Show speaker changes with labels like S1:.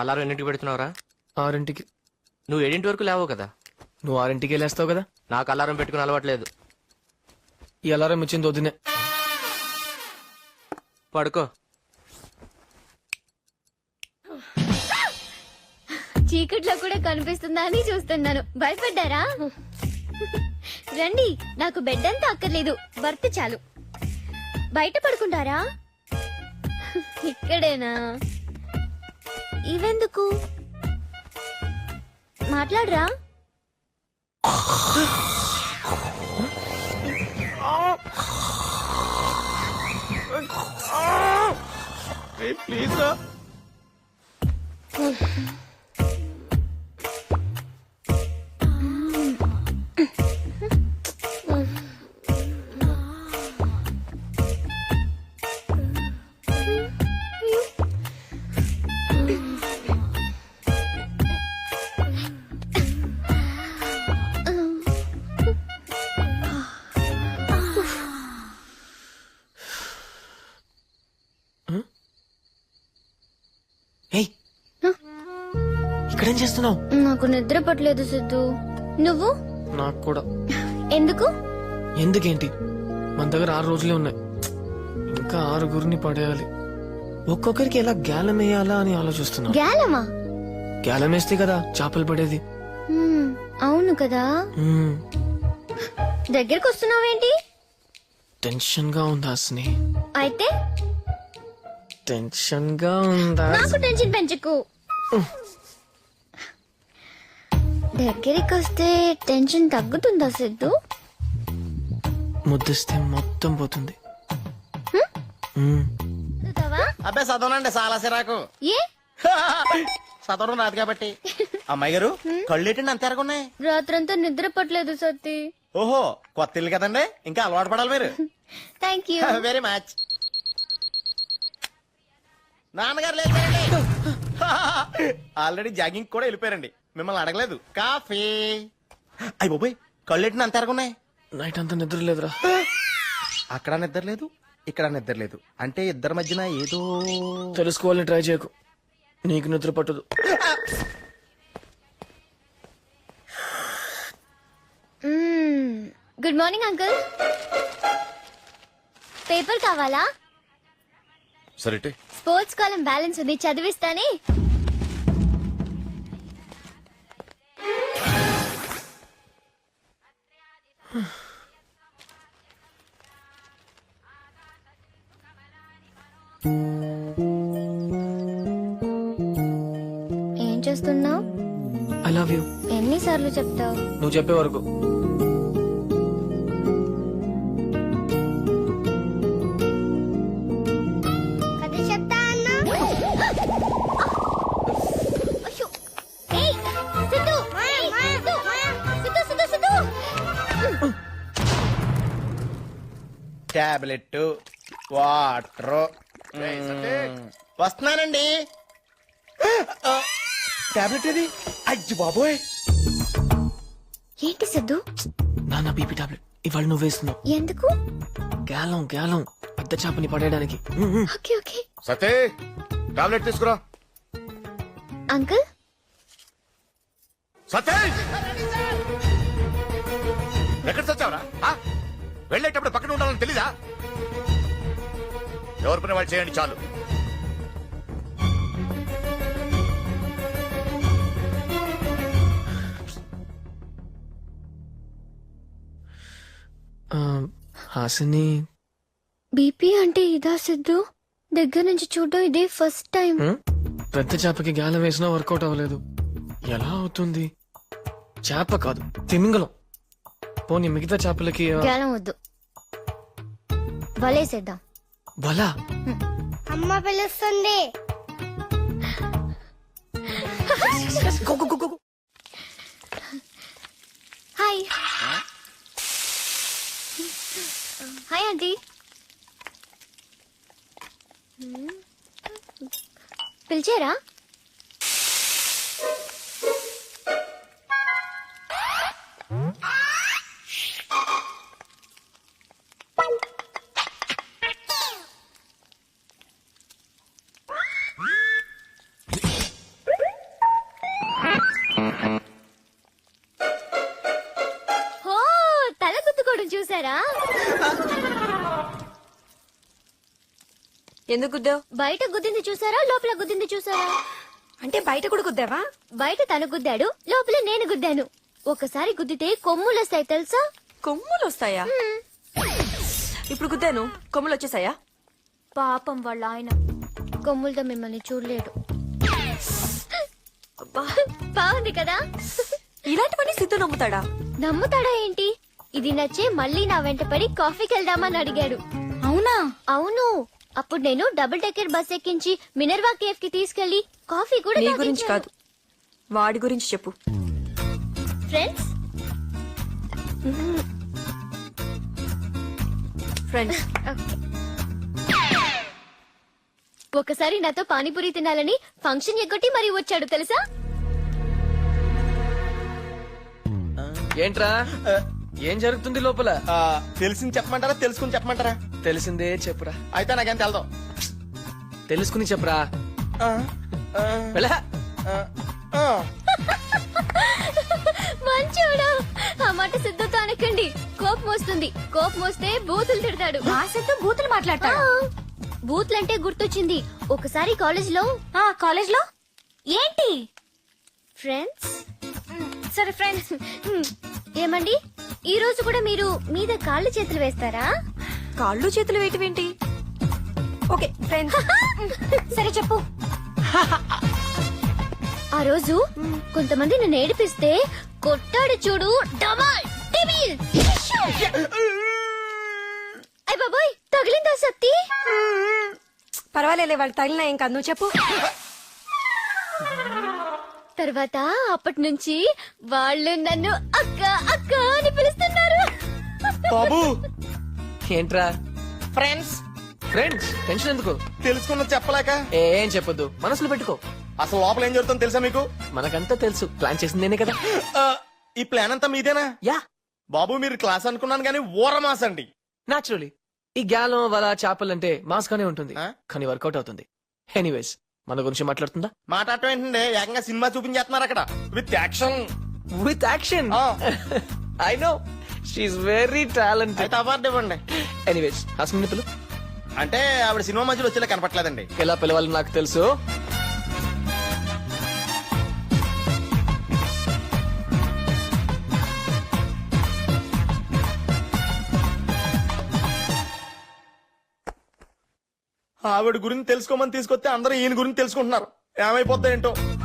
S1: Alarm ఎన్నింటికి పెడుతున్నావురా?
S2: 6ంటికి.
S1: నువ్వు 7 వరకు లేవో కదా.
S2: నువ్వు 6ంటికి వెళ్ళేస్తావు కదా.
S1: నాకు అలారం పెట్టుకుని అలవాట్లేదు.
S2: ఈ అలారం ఇచ్చింది వద్దునే.
S1: పడుకో.
S3: చీకట్లో కూడా కనిపిస్తుందా అని చూస్తున్నాను. భయపడ్డారా? రండి, నాకు బెడ్ అంతా అక్కర్లేదు, బర్త్ చాలు. బయట పడుకుంటారా? ఇక్కడేనా? ఇవెందుకు? మాట్లాడరా?
S2: ప్లీజ్ రా. ఏయ్, ఇక్కడేం చేస్తున్నావు?
S3: నాకు నిద్ర పట్టలేదు సిద్ధు. నువ్వు?
S2: నాకు కూడా.
S3: ఎందుకు?
S2: ఎందుకేంటి, మన దగ్గర 6 రోజులే ఉన్నాయి. ఇంకా 6గురిని పడేయాలి. ఒక్కొక్కరికి ఎలా గ్యాలం వేయాలా అని ఆలోచిస్తున్నా.
S3: గ్యాలమా?
S2: గ్యాలం వేస్తే కదా చేపలు పడేది.
S3: అవును కదా. దగ్గరకు వస్తున్నావేంటి?
S2: టెన్షన్ గా ఉందా స్నే?
S3: అయితే
S2: టెన్షన్ గా ఉందా?
S3: నాకు టెన్షన్ పెంచకు. దగ్గరికి వస్తే టెన్షన్ తగ్గుతుందా సిద్ధు?
S2: ముద్దిస్తే మొత్తం పోతుంది.
S3: చదువుతావా?
S4: అబ్బాయి చదవనండి, చాలా సిరాకు.
S3: ఏ?
S4: చదవడం రాదు కాబట్టి. అమ్మాయి గారు కళ్ళేటండి అంత ఎరగున్నాయి.
S3: రాత్రంతా నిద్ర పట్టలేదు సత్తి.
S4: ఓహో, కొత్త ఇల్లు కదండి, ఇంకా అలవాటు పడాలి మీరు.
S3: Thank you.
S4: Very much. నాన్నగారు లేచారండి. ఆల్రెడీ జాగింగ్ కూడా వెళ్ళిపోయారండి, మిమ్మల్ని అడగలేదు. కాఫీ. అయ్యి బాబోయ్, కళ్ళెట్టిన అంత ఎరగున్నాయి.
S2: నైట్ అంతా నిద్ర లేదురా.
S4: అక్కడ నిద్ర లేదు, ఇక్కడ నిద్ర లేదు, అంటే ఇద్దరి మధ్యన ఏదో.
S2: తెలుసుకోవాలని ట్రై చేయకు, నీకు నిద్ర పట్టదు.
S3: Good morning uncle. పేపర్ కావాలా?
S5: సరే,
S3: స్పోర్ట్స్ కాలం బ్యాలెన్స్ ఉంది, చదివిస్తానే. ఏం చేస్తున్నావు?
S2: I love you.
S3: ఎన్నిసార్లు చెప్తావు?
S2: నువ్వు చెప్పే వరకు.
S4: Tablet, water. వస్తున్నానండి. టాబ్లెట్ ఇది. అయ్యి బాబోయ్.
S3: ఏంటి సిద్ధు?
S2: నాన్న బీపీ టాబ్లెట్ ఇవాళ నువ్వు వేస్తున్నావు.
S3: ఎందుకు?
S2: గ్యాలం గ్యాలం పెద్ద చేపని పడేయడానికి.
S3: Okay okay.
S5: సతే టాబ్లెట్ తీసుకురా.
S3: అంకుల్.
S5: సతే ఎక్కడ చచ్చావరా? వెళ్ళేటప్పుడు పక్కన ఉండాలని తెలీదా? ఎవరి పని వాళ్ళు చేయండి చాలు.
S2: హాసిని,
S3: బీపీ అంటే ఇదా సిద్ధు? దగ్గర నుంచి చూడడం ఇదే ఫస్ట్ టైం.
S2: పెద్ద చేపకి గ్యాలం వేసినా వర్కౌట్ అవ్వలేదు. ఎలా అవుతుంది? చేప కాదు, తిమింగలం. పోనీ మిగతా చేపలకి
S3: గ్యాలం వద్దు, వలేసేద్దాం.
S2: బలా?
S3: అమ్మ పిలుస్తుంది. హాయ్. Hi aunty. పిలిచారా?
S6: ఎందుకు గుద్దావు?
S3: బయట గుద్దింది చూసారా, లోపల గుద్దింది చూసారా?
S6: అంటే బయట కూడా గుద్దావా?
S3: బయట తను గుద్దాడు, లోపల నేను గుద్దాను. ఒకసారి గుద్దితే కొమ్ములు వస్తాయి తెలుసా?
S6: కొమ్ములు వస్తాయా? ఇప్పుడు గుద్దాను, కొమ్ములు వచ్చేసాయా?
S3: పాపం వాళ్ళ ఆయన కొమ్ములతో మిమ్మల్ని చూడలేడు.
S6: అబ్బా,
S3: బాగుంది కదా?
S6: ఇలాంటివన్నీ సిద్ధు నమ్ముతాడా?
S3: నమ్ముతాడా ఏంటి? ఇది నచ్చే మళ్ళీ నా వెంట పడి కాఫీకి వెళ్దామని అడిగాడు.
S6: అవునా?
S3: అవును. అప్పుడు నేను డబుల్ డెక్కర్ బస్ ఎక్కించి మినర్వా కేఫ్ కి తీసుకెళ్లి కాఫీ కూడా
S6: నీ గురించి కాదు, వాడి గురించి చెప్పు.
S3: Friends,
S6: friends.
S3: ఒకసారి నాతో పానీపూరి తినాలని ఫంక్షన్ ఎగ్గొట్టి మరీ వచ్చాడు తెలుసా?
S2: ఏంట్రా ఏం జరుగుతుంది లోపల?
S4: తెలిసింది చెప్పమంటారా తెలుసుకుని చెప్పమంటారా?
S2: తెలిసిందే చెప్పురా.
S4: అయితే నాకేం తెలదాం.
S2: తెలుసుకుని చెప్పురా. వెళ్ళా.
S3: మంచోడు. ఆ మాట సిద్ధుతో అనకండి, కోపం వస్తుంది. కోపం వస్తే బూతులు తిడతాడు.
S6: ఆ సిద్ధు బూతులు మాట్లాడతాడు.
S3: బూతులంటే గుర్తొచ్చింది. ఒకసారి కాలేజ్ లో
S6: కాలేజ్ లో ఏంటి?
S3: ఫ్రెండ్స్,
S6: సరే ఫ్రెండ్స్.
S3: ఏమండి, ఈ రోజు కూడా మీరు మీద కాళ్ళు చేతులు వేస్తారా?
S6: కాళ్ళు చేతులు వేయటమేంటి? Okay friends. సరే చెప్పు.
S3: ఆ రోజు కొంతమంది నన్ను ఏడిపిస్తే కొట్టాడు చూడు, డమాల్ డిమిల్. అయ్ బాబోయ్, తగిలిందా సత్తి?
S6: పర్వాలేలే, వాళ్ళు తగిలినా ఏం కాదు, నువ్వు చెప్పు.
S3: తర్వాత అప్పటి నుంచి వాళ్ళు నన్ను అక్క అక్క అని పిలుస్తున్నారు.
S4: బాబు
S2: ఏంట్రా
S4: ఫ్రెండ్స్,
S2: ఫ్రెండ్స్ టెన్షన్ ఎందుకు?
S4: తెలుసుకున్నది చెప్పలేక.
S2: ఏం చెప్పొద్దు, మనసులో పెట్టుకో.
S4: అసలు లోపల ఏం జరుగుతుందో తెలుసా మీకు?
S2: మనకంతా తెలుసు, ప్లాన్ చేసింది నేనే కదా.
S4: ఆ, ఈ ప్లాన్ అంతా మీదేనా?
S2: యా,
S4: బాబు మీరు క్లాస్ అనుకున్నాను కానీ ఊర మాస్ అండి.
S2: నాచురలీ ఈ గ్యాలం వల చేపలంటే మాస్ గానే ఉంటుంది,
S4: ఆ?
S2: కానీ వర్కౌట్ అవుతుంది. ఎనీవేస్, మన గురించి మాట్లాడుతుందా?
S4: మాట్లాడటం ఏంటండి, ఏకంగా సినిమా చూపించేస్తున్నారు అక్కడ విత్ యాక్షన్.
S2: With action.
S4: ఆ.
S2: I know, she's very talented.
S4: అయితే అవార్డు ఇవ్వండి.
S2: ఎనీవేస్, హాస్ని పిలు.
S4: అంటే ఆవిడ సినిమా మధ్యలో వచ్చేలా కనపట్లేదండి.
S2: ఎలా పిలవాలని నాకు తెలుసు.
S4: ఆవిడ గురించి తెలుసుకోమని తీసుకొస్తే అందరూ ఈయన గురించి తెలుసుకుంటున్నారు. ఏమైపోద్దా ఏంటో.